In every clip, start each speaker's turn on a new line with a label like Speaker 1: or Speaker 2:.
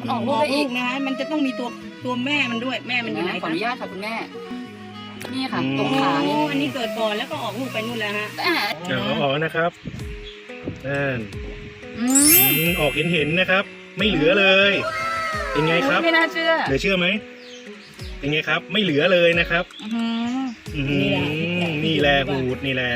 Speaker 1: มันออกลูกได้อีก
Speaker 2: นะคะมันจะต้องมีตัวแม่มันด้วยแม่มันอยู่ไหน
Speaker 1: ขออนุญาตค่ะคุณแม่นี่ค่ะตรงขานี่
Speaker 2: อันนี้เกิดก่อนแล้วก็ออกลูกไปนู่นแล้วฮะ
Speaker 3: เดี๋ยวเอาออกนะครับนั่น
Speaker 1: อืม
Speaker 3: ออกเห็นนะครับ ไม่เหลือเลย เป็นไงครับ
Speaker 1: ไม่น่าเชื่อ
Speaker 3: เหลือเชื่อไหมเป็นไงครับ ไม่เหลือเลยนะครับ นี่แหละหูดนี่แหละ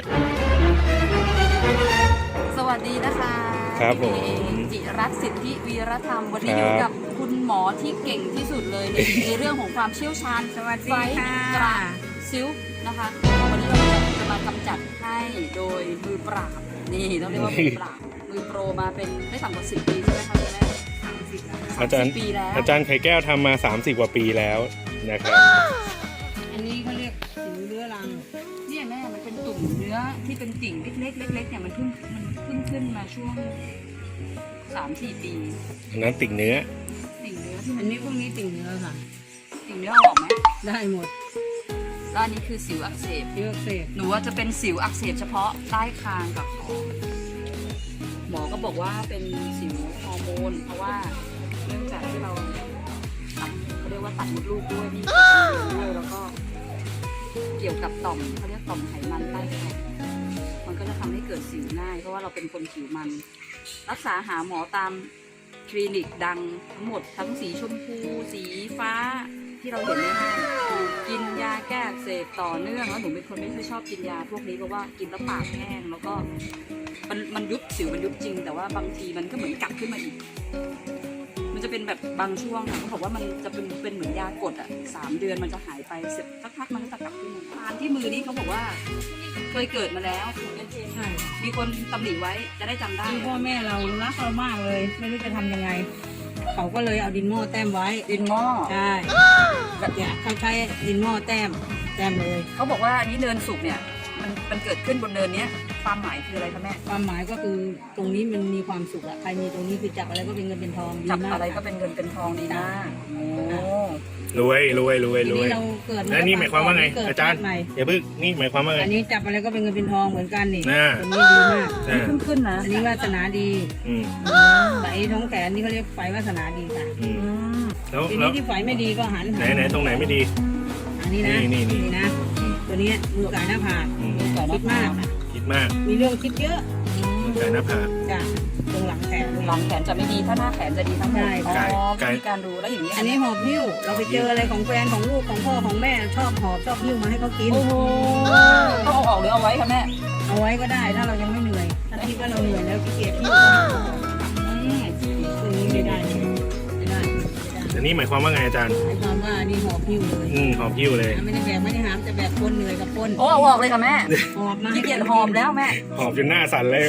Speaker 1: สวัสดีนะคะ
Speaker 3: ครับผม
Speaker 1: จิรัตน์สิทธิวีรธรรมวันนี้
Speaker 3: ครับ
Speaker 1: อยู่กับคุณหมอที่เก่งที่สุดเลยในเรื่องของความเชี่ยวชาญ
Speaker 2: สวัสดี
Speaker 1: ไฟ
Speaker 2: ค่ะ
Speaker 1: กระซิวนะคะ วันนี้เราจะมากำจัดให้โดยมือปราบนี่ต้องเรียกว่ามือปราบมือโปรมาเป็นไม่ต่ำกว่า10 ปีใช่ไหมคะคุณแม่
Speaker 3: อาจารย์
Speaker 1: ปีแล้ว
Speaker 3: อาจารย์ไข่แก้วทำมา30 กว่าปีแล้วนะครับ
Speaker 2: อันนี้เขาเรียกสิวเรื้อรัง
Speaker 1: เนี่ยแม่มันเป็นตุ่มเนื้อที่เป็นติ่งเล็กๆเล็กๆเนี่ยมันเพิ่งขึ้นมาช่วง 3-4 ปี
Speaker 3: อันนั้นติ่งเนื้อ
Speaker 1: ติ่งเนื้อที่
Speaker 2: อั
Speaker 1: มัน น
Speaker 2: นี้พวกนี้ติ่งเนื้อค่ะ
Speaker 1: ติ่งเนื้อเอาออกไหม
Speaker 2: ได้หมด
Speaker 1: แล้วอันนี้คือสิวอักเสบ
Speaker 2: เยอะเสพ
Speaker 1: หนูว่าจะเป็นสิวอักเสบเฉพาะใต้คางกับคอหมอก็บอกว่าเป็นสิวฮอร์โมนเพราะว่าเนื่องจากที่เราเขาเรียกว่าตัดมดลูกด้วยนี่ด้วยแล้วก็เกี่ยวกับต่อมเขาเรียกต่อมไขมันใต้คางมันก็จะทำให้เกิดสิวง่ายเพราะว่าเราเป็นคนผิวมัน รักษาหาหมอตามคลินิกดังทั้งหมดทั้งสีชมพูสีฟ้าที่เราเห็นในห้างกินยาแก้อักเสบต่อเนื่องแล้วหนูเป็นคนไม่ค่อยชอบกินยาพวกนี้เพราะว่ากินแล้วปากแห้งแล้วก็มันยุบสิวมันยุบจริง แต่ว่าบางทีมันก็เหมือนกลับขึ้นมาอีก มันจะเป็นแบบบางช่วงค่ะเขาบอกว่ามันจะเป็นเหมือนยากดอ่ะ3 เดือนมันจะหายไปเสร็จสักพักมันก็จะกลับขึ้นมาทานที่มือนี้เขาบอกว่าเคยเกิดมาแล้ว
Speaker 2: ใช่
Speaker 1: มีคนตำหนิไว้จะได้จำได้
Speaker 2: คือพ่อแม่เรารักเรามากเลย ไม่รู้จะทำยังไง เขาก็เลยเอาดินหม้อแต้มไว้
Speaker 1: ดินหม้อ
Speaker 2: ใช่เนี่ยเขาใช้ดินหม้อแต้มเลย
Speaker 1: เขาบอกว่าอันนี้เนินสุกเนี่ยมันเกิดขึ้นบนเนินเนี้ยความหมายคืออะไรคะแม่
Speaker 2: ความหมายก็คือตรงนี้มันมีความสุขอะใครมีตรงนี้คือจับอะไรก็เป็นเงินเป็นทองดี
Speaker 1: จับ
Speaker 2: มาก
Speaker 1: อะไรก็เป็นเงินเป็นทองดีนะโอ้
Speaker 3: รวย
Speaker 2: ทีนี้เราเกิด
Speaker 3: แล้วนี่หมายความว่าไง
Speaker 2: เกิด
Speaker 3: อาจารย์
Speaker 2: ใหม่
Speaker 3: อย่าเพิ่งนี่หมายความว่าไง
Speaker 2: อันนี้จับอะไรก็เป็นเงินเป็นทองเหมือนกันนี่
Speaker 3: น่า
Speaker 2: ตรงนี้ดีมาก
Speaker 1: ขึ้นนะ
Speaker 2: อันนี้วาสนาดี
Speaker 3: อืม
Speaker 2: ไฝท้องแขนนี่เขาเรียกไฝวาสนาดีค่ะ
Speaker 3: อืมแล้ว
Speaker 2: ที
Speaker 3: แล้
Speaker 2: นี้
Speaker 3: ว
Speaker 2: ที่ไฝไม่ดีก็หัน
Speaker 3: ไหนตรงไหนไม่ดี
Speaker 2: อันนี้นะ
Speaker 3: นี่
Speaker 2: นะ ตัวนี้มือไก่หน้าผาก
Speaker 3: อืม
Speaker 2: คิดมาก
Speaker 3: คิดมาก
Speaker 2: มีเรื่องคิดเยอะ
Speaker 3: ไก่หน้าผาก
Speaker 2: จ้ะตรงหลังแขน
Speaker 1: หลังแขนจะไม่ดีถ้าหน้าแขนจะดีทั้งหมด
Speaker 2: ใช่
Speaker 1: อ๋
Speaker 3: ไก่
Speaker 1: อมีการดูแล้วอย่างนี้
Speaker 2: อันนี้หอบหิ้ว เราไปเจออะไรของแฟนของลูกของพ่อของแม่ชอบหอบชอบหิ้วมาให้เขากิน
Speaker 1: โอ้โหต้องเอาออกหรือเอาไว้คะแม่
Speaker 2: เอาไว้ก็ได้ถ้าเรายังไม่เหนื่อย ถ้าคิดว่าเราเหนื่อยแล้วขี้เกียจหิ้วตรงนี้ไม่ได้ไม่ได้
Speaker 3: อันนี้หมายความว่าไงอาจารย์
Speaker 2: หมายความว่านี่หอบหิ้วเลย
Speaker 3: หอบหิ้วเลย
Speaker 2: ไม่ได้แบกไม่ได้หามแต่แบกคนเหนื่อยกับคน
Speaker 1: โอ้เอาออกเลยค่ะแม่
Speaker 2: หอบมา
Speaker 1: ขี้เกียจหอบแล้วแม่
Speaker 3: หอบจนหน้าสั่นเลย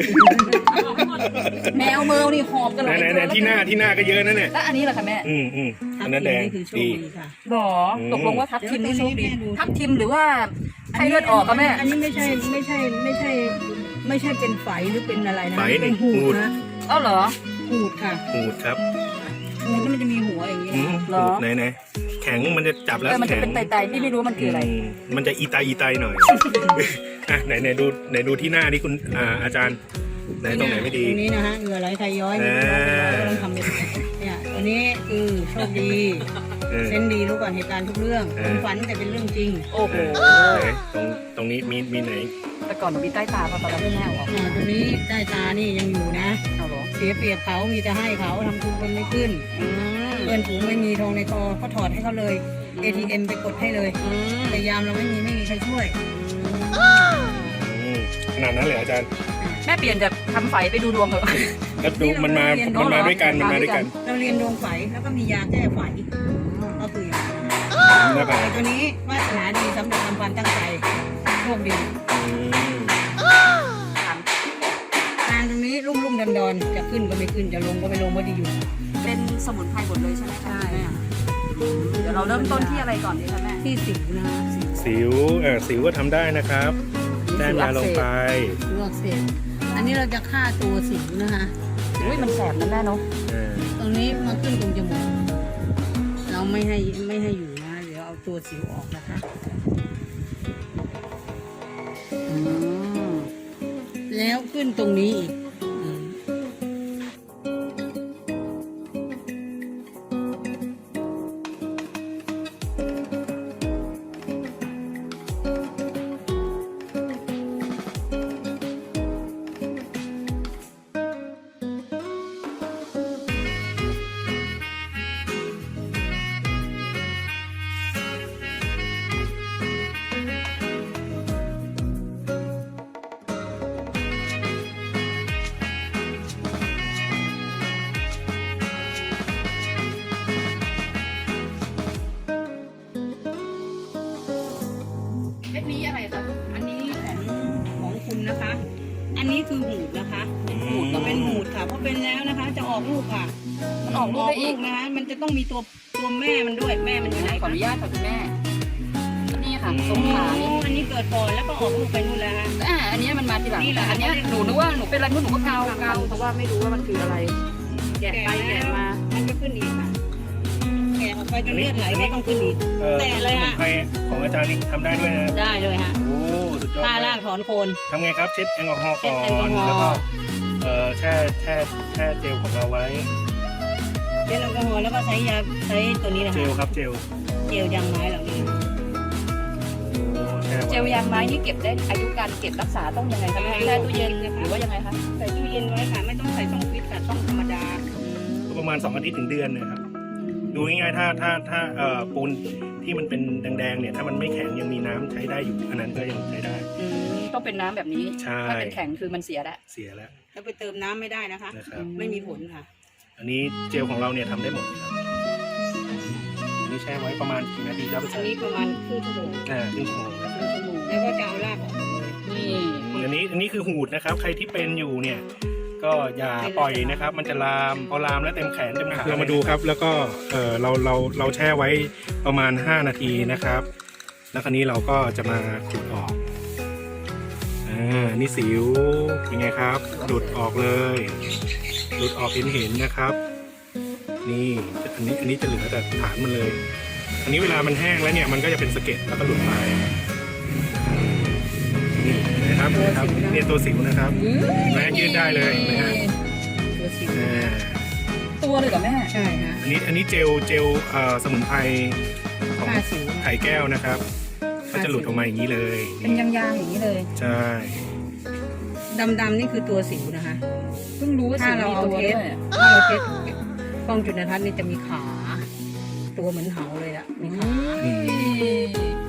Speaker 1: แมวเมือนี่หอบกันเลย
Speaker 3: ไหนที่หน้าก็เยอะนะเนี่ย
Speaker 1: แล้วอันนี้ล่ะคะแม่
Speaker 3: อันนั้นแดง
Speaker 2: นี่คือโชค
Speaker 3: ดี
Speaker 2: ดีค่ะ
Speaker 1: หรอตกลงว่าทับทิมนี่โชคดีทับทิมหรือว่าไข้เลือดออกคะแม่
Speaker 2: อันนี้ไม่ใช่เป็นไฝหรือเป็นอะไรนะ
Speaker 3: ไฝนี่
Speaker 2: เป็นหูดนะ
Speaker 1: เอ้าเหรอ
Speaker 2: หูดค่ะ
Speaker 3: หูดครับ
Speaker 2: หูดมันจะมีหัวอย่างนี้
Speaker 3: อืม
Speaker 1: เหรอ
Speaker 3: หูดไหนแข็งมันจะจับแล้ว
Speaker 1: มันจะ
Speaker 3: แข็ง
Speaker 1: เป็นไตๆพี่ไม่รู้มันคืออะไร
Speaker 3: มันจะอีไตหน่อย อ่ะไหนดูที่หน้าที่คุณอาจารย์ไหนตรงไหนไม่ดี
Speaker 2: ตรงนี้นะฮะเหงื่อไหลไทยย้อยนี่เราต้องทำเป็นเนี่ยตัวนี้คือโชคดี เซนดีรู้ก่อนเหตุการณ์ทุกเรื่องความฝันแต่เป็นเรื่องจริง
Speaker 1: โอ้โห
Speaker 3: ไหนตรงนี้มีไหน
Speaker 1: แต่ก่อนหนูมีใต้ตาพอตอนนี้แม่เอาออก
Speaker 2: ตรงนี้ใต้ตานี่ยังอยู่นะ
Speaker 1: เอาเหรอ
Speaker 2: เสียเปรียบเขามีแต่ให้เขาทำทุนคนไม่ขึ้น เพื่อนฝูงไม่มีทองในคอเขาถอดให้เขาเลย ATM ไปกดให้เลยแต่ยามเราไม่มีใครช่วย
Speaker 3: ขนาดนั้นเลยอาจารย์
Speaker 1: แม่เปลี่ยนจากทำไฟไปดูดวงเถอะ
Speaker 3: แล้วดูมันมาด้วยกันมันมาด้วยกัน
Speaker 2: เราเรียนดวงไฝแล้วก็มียาแก้ไฝก็คือ
Speaker 3: หน้าผาก
Speaker 2: ตัวนี้วาสนาดีสำเร็จทำความตั้งใจโชคดีทางตรงนี้ลุ่มดอนจะขึ้นก็ไม่ขึ้นจะลงก็ไม่ลงว่าดีอยู่
Speaker 1: เป็นสมุนไพรหมดเลยใช่ไหมคะ
Speaker 2: ใช่
Speaker 1: แม่เดี๋ยวเราเริ่มต้นที่อะไรก่อนดีคะแม่
Speaker 2: ที่สิวนะ
Speaker 3: สิวก็ทำได้นะครับแต้มยาลงไป
Speaker 2: สิวอักเสบอันนี้เราจะฆ่าตัวสิวนะคะ
Speaker 1: อุ้ยมันแสบนะแม่เนาะ
Speaker 2: ตรงนี้มาขึ้นตรงจมูกเราไม่ให้อยู่นะเดี๋ยวเอาตัวสิวออกนะคะแล้วขึ้นตรงนี้อีกอกลูกค่ะ
Speaker 1: มันออกลูกได้อีก
Speaker 2: นะคะมันจะต้องมีตัวแม่มันด้วยแม่มันอยู่ไหน
Speaker 1: ขออนุญาตค่ะคุณแม่นี่ค่ะ
Speaker 3: อืม
Speaker 1: ตรงขานี่
Speaker 2: อันนี้เกิดก่อนแล้วก็ออกลูกไปนู่นแล้วฮะ
Speaker 1: อันนี้มันมาทีหลัง
Speaker 2: นี่แหละ
Speaker 1: อันเนี้ยหนูนึกว่าหนูเป็นอะไรหนูก็เกาเพราะว่าไม่รู้ว่ามันคืออะไร แกะไปแกะมา
Speaker 2: มันก็ขึ้นอีกค่ะแกะออกไปจนเลือดไหลก็ต้องขึ้นอีก แต่เลยฮะ
Speaker 3: สมุนไพรของอาจารย์นี่ทำได้ด้วยนะ
Speaker 2: ได้เลยฮะ
Speaker 3: โอ้สุดยอด
Speaker 2: ท่า
Speaker 3: เล
Speaker 2: ลาย กถอนโคน
Speaker 3: ทำไงครับเช็ดแอลกอฮอล์ก่อน
Speaker 2: เช็ดแอลกอฮอล์
Speaker 3: แล้วก็แช่เจลของเราไว้
Speaker 2: เจลแอลกอฮอล์แล้วก็ใช้ตัวนี้นะ
Speaker 3: เจ
Speaker 2: คะ
Speaker 3: ลครับเจล
Speaker 2: เจลยางไม้เหล่านี้
Speaker 3: โอ้แช่ไว้
Speaker 1: เจลยางไม้นี่เก็บได้อายุการเก็บรักษาต้องยังไงคะแม่แช่ตู้เย็นหรือว่ายังไงคะ
Speaker 2: ใส่ตู้เย็นไว้ค่ะไม่ต้องใส่ช่องฟิตค่ะช่องธรรมดา
Speaker 3: ก็ประมาณ2 อาทิตย์ถึงเดือนนะครับ ดูง่ายๆถ้าปูนที่มันเป็นแดงๆเนี่ยถ้ามันไม่แข็งยังมีน้ำใช้ได้อยู่อันนั้นก็ยังใช้ได้
Speaker 1: ต้องเป็นน้ำแบบนี้
Speaker 3: ใช่
Speaker 1: ถ้าเป็นแข็งคือมันเสียแล้ว
Speaker 3: เสียแล้ว
Speaker 2: แล้วไปเติมน้ำไม่ได้นะคะ
Speaker 3: นะครับ
Speaker 2: ไม่มีผลค่ะ
Speaker 3: อันนี้เจลของเราเนี่ยทำได้หมดครับอันนี้แช่ไว้ประมาณกี่นาทีครับอา
Speaker 2: อั
Speaker 3: จาน รย์
Speaker 2: นี้ประมาณครึ่งชั่วโมง
Speaker 3: ครึ่งชั่วโมงนะครับ
Speaker 2: แล้วก็จะเอารากออกหมดเลย
Speaker 1: นี่
Speaker 3: อันนี้คือหูดนะครับ ใครที่เป็นอยู่เนี่ย ก็อย่าปล่อยนะครับ มันจะลามพอลามแล้วเต็มแขนเต็มขาเรามาดูครับ แล้วก็เราแช่ไว้ประมาณ5 นาทีนะครับ แล้วคราวนี้เราก็จะมาขุดออกนี่สิวเป็นไงครับหลุดออกเลยหลุดออกเห็นนะครับ นี่อันนี้จะเหลือแต่ฐานมันเลย อันนี้เวลามันแห้งแล้วเนี่ยมันก็จะเป็นสะเก็ดแล้วก็หลุดไปนี่นะครับเนี่ยตัวสิวนะครับแม่ยืดได้เลยนะฮะ
Speaker 2: ตัวสิว
Speaker 1: ตัวเลยเหรอแม่
Speaker 2: ใช่ฮะ
Speaker 3: อันนี้เจลสมุนไพรของ
Speaker 2: ฆ่าสิว
Speaker 3: ไข่แก้วนะครับก็จะหลุดออกมาอย่างนี้เลย
Speaker 1: เป็นยางๆอย่างนี้เลย
Speaker 3: ใช่
Speaker 2: ดำๆนี่คือตัวสิวนะคะ
Speaker 1: เพิ่งรู้ว่า
Speaker 2: ถ้า
Speaker 1: สี
Speaker 2: เรา
Speaker 1: มี
Speaker 2: เอา
Speaker 1: ตัว
Speaker 2: เท
Speaker 1: ด้
Speaker 2: ป
Speaker 1: วย
Speaker 2: ถ้าเราเทปกล้องจุลทรรศน์นี่จะมีขา ตัวเหมือนเหาเลยอะมีขา
Speaker 3: อืม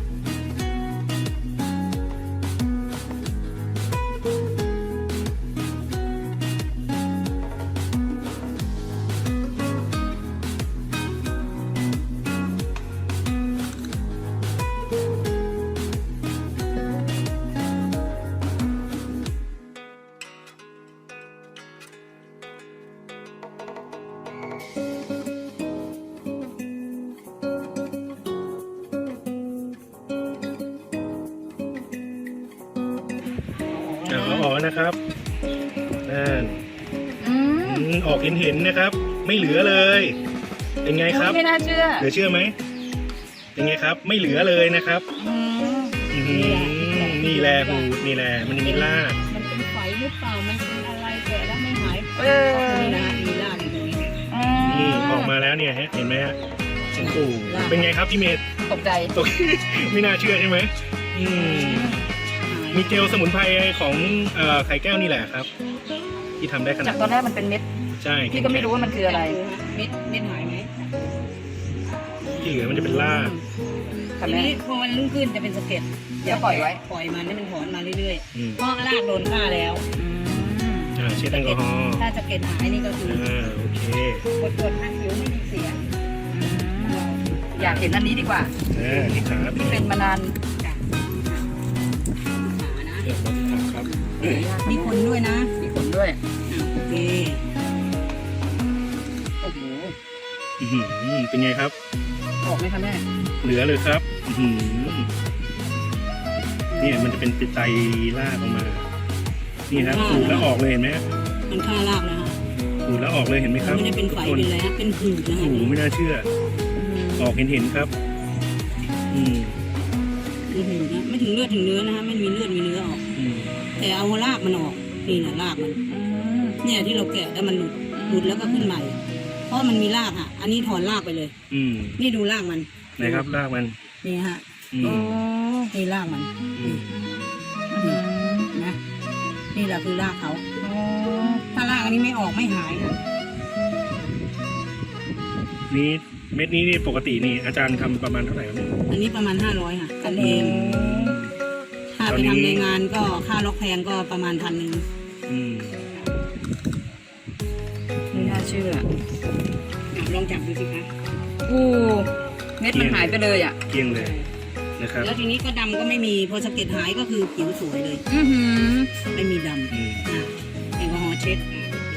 Speaker 3: เอาออกนะครับนั่น
Speaker 1: อืม
Speaker 3: ออกเห็นนะครับ ไม่เหลือเลย เป็นไงครับ
Speaker 1: ไม่น่าเชื่อ
Speaker 3: เหลือเชื่อไหมเป็นไงครับ ไม่เหลือเลยนะครับ
Speaker 1: อืม
Speaker 3: อื้อหือนี่แหละหูนี่แหละมันมีราก
Speaker 2: มันเป็นไฝหรือเปล่ามันเป็นอะไรแกะแล้วไม่หาย
Speaker 1: เออ
Speaker 2: นี่นะมีรากอยู่ตรงนี้
Speaker 3: นี่ออกมาแล้วเนี่ยฮะเห็นไหมฮะโอ้โหเป็นไงครับพี่เมย์
Speaker 1: ตกใจ
Speaker 3: ตก ไม่น่าเชื่อใช่ไหมมีเจลสมุนไพรของไข่แก้วนี่แหละครับ ที่ทำได้ขนา
Speaker 1: จา
Speaker 3: ด
Speaker 1: กตอนแรกมันเป็นเม็ด
Speaker 3: ใช่
Speaker 1: พี่ก็ไม่รู้ว่ามันคืออะไร
Speaker 2: เม็ดหายไหม
Speaker 3: ที่เหลือมันจะเป็นราก
Speaker 1: ค่ะ
Speaker 2: ที
Speaker 1: แม่
Speaker 2: นี้พอมันรุ่งขึ้นจะเป็นสะเก็ด
Speaker 1: แล้วปล่อยไว้
Speaker 2: ปล่อยมันให้มันถอนมาเรื่อย
Speaker 3: อืม
Speaker 2: ๆเพราะรากโดนฆ่าแล้ว
Speaker 3: เช็ดแอลกอฮอล์
Speaker 2: ถ้าสะเก็ดหายนี่ก็คือ
Speaker 3: โอเค
Speaker 2: กดให้ผิวไม่มีเสีย
Speaker 1: อยากเห็นอันนี้ดีกว่า
Speaker 3: ที่ขา
Speaker 1: ที่เป็นมานาน
Speaker 2: จ้ะขานะ
Speaker 3: เดี๋ยวมาที่ขาครับ
Speaker 2: มีขนด้วยนะ
Speaker 1: มีขนด้วย
Speaker 2: โอเค
Speaker 1: โอ้โห
Speaker 3: อื้อหือเป็นไงครับ
Speaker 1: ออกไหมคะแม่
Speaker 3: เหลือเลยครับอื้อหือเนี่ยมันจะเป็นไตรากออกมา นี่ครับขูดแล้วออกเลยเห็นไหม
Speaker 2: มันฆ่ารากนะฮะ
Speaker 3: ขูดแล้วออกเลยเห็นไหมครับ
Speaker 2: ไม่ได้เป็นไฝ
Speaker 3: ทุกค
Speaker 2: เป็นอะไรฮะเป็นหืดนะ
Speaker 3: โอ้
Speaker 2: ฮะ
Speaker 3: โหไม่น่าเชื่อ ออกเห็นครับ อืม
Speaker 2: เป็นหืดนะไม่ถึงเลือดถึงเนื้อนะฮะไม่มีเลือดมีเนื้อออก
Speaker 3: อืม
Speaker 2: แต่เอารากมันออกนี่แหละรากมัน เนี่ยที่เราแกะแล้วมันหลุดแล้วก็ขึ้นใหม่ เพราะมันมีรากอ่ะ อันนี้ถอนรากไปเลย
Speaker 3: อืม
Speaker 2: นี่ดูรากมัน
Speaker 3: ไหนครับรากมัน
Speaker 2: นี่ฮะ
Speaker 3: อื
Speaker 1: โอ้
Speaker 3: ม
Speaker 2: นี่รากมัน
Speaker 3: อืม
Speaker 2: นะนี่แหละคือรากเขาถ้ารากอันนี้ไม่ออกไม่หายค่ะ
Speaker 3: นี่เม็ดนี้นี่ปกตินี่อาจารย์ทำประมาณเท่าไหร่ครับเนี่ย
Speaker 2: อันนี้ประมาณ500ค่ะกันเอง ถ้า
Speaker 3: ตอ
Speaker 2: ไป
Speaker 3: นนี้
Speaker 2: ทำในงานก็ค่าล็อกแพงก็ประมาณ1,000
Speaker 3: อืม
Speaker 1: ไม่น่าเชื่อ
Speaker 2: ลองจับดูสิคะ
Speaker 1: โอ้เม็ดมันหายไปเลยอ่ะ
Speaker 3: เกลี้ยงเลยนะครับ
Speaker 2: แล้วทีนี้ก็ดำก็ไม่มีพอสะเก็ดหายก็คือผิวสวยเลย
Speaker 1: อือหือ
Speaker 2: ไม่มีด
Speaker 3: อืม
Speaker 2: ำแอลกอฮอล์เช็ดโอเค